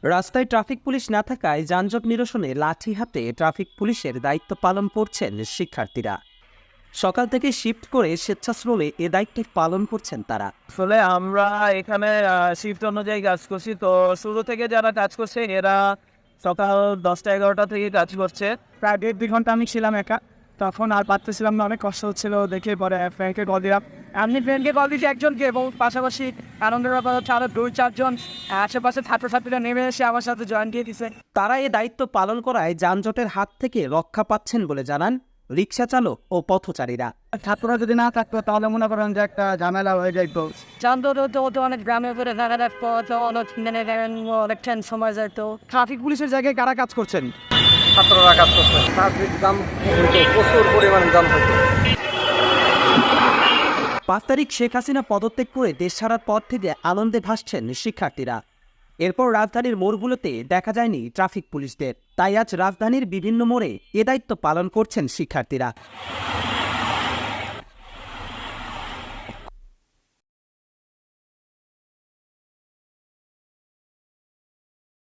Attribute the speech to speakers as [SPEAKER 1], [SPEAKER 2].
[SPEAKER 1] রাস্তায় traffic police না থাকায় যানজট নিরসনে লাঠি হাতে ট্রাফিক পুলিশের দায়িত্ব পালন করছেন শিক্ষার্থীরা। সকাল থেকে শিফট করে স্বেচ্ছাশ্রমে এ দায়িত্ব পালন করছেন তারা।
[SPEAKER 2] আসলে আমরা এখানে শিফট অনুযায়ী কাজ করছি। তো শুরু থেকে যারা কাজ করছে এরা সকাল 10টা-11টা থেকে কাজ করছে।
[SPEAKER 3] প্রায় 1.5-2 ঘন্টা আমি ছিলাম একা, তখন আর পারতেছিলাম না, অনেক কষ্ট হচ্ছিল দেখে পরে ফ্রেন্ডকে কল দিলাম। আমি ফ্রেন্ডকে কল দিয়েছি একজনকে, এবং পাশাপাশি আনন্দের ব্যাপার হচ্ছে আরও 2-4 জন আশেপাশে ছাত্রছাত্রীরা নেমে এসে আমার সাথে জয়েন দিয়ে দিছে।
[SPEAKER 1] তারা এ দায়িত্ব পালন করায় যানজটের হাত থেকে রক্ষা পাচ্ছেন বলে জানান রিকশা চালক ও পথচারীরা।
[SPEAKER 3] ছাত্ররা যদি না থাকতো তাহলে মনে করেন যে একটা ঝামেলা হয়ে যেত।
[SPEAKER 4] যানজট হতো অনেক গ্রামে করে যাতায়াত করতে অনেক অনেক সময় যেত।
[SPEAKER 3] ট্রাফিক পুলিশের জায়গায় কারা কাজ করছেন?
[SPEAKER 5] ছাত্ররা কাজ করছে। ট্রাফিক জ্যাম হইতো, প্রচুর পরিমাণে জ্যাম হইতো।
[SPEAKER 1] 5 তারিখ শেখ হাসিনা পদত্যাগ করে দেশ ছাড়ার পর থেকে আনন্দে ভাসছেন শিক্ষার্থীরা। এরপর রাজধানীর মোড়গুলোতে দেখা যায়নি ট্রাফিক পুলিশদের, তাই আজ রাজধানীর বিভিন্ন মোড়ে এ দায়িত্ব পালন করছেন শিক্ষার্থীরা।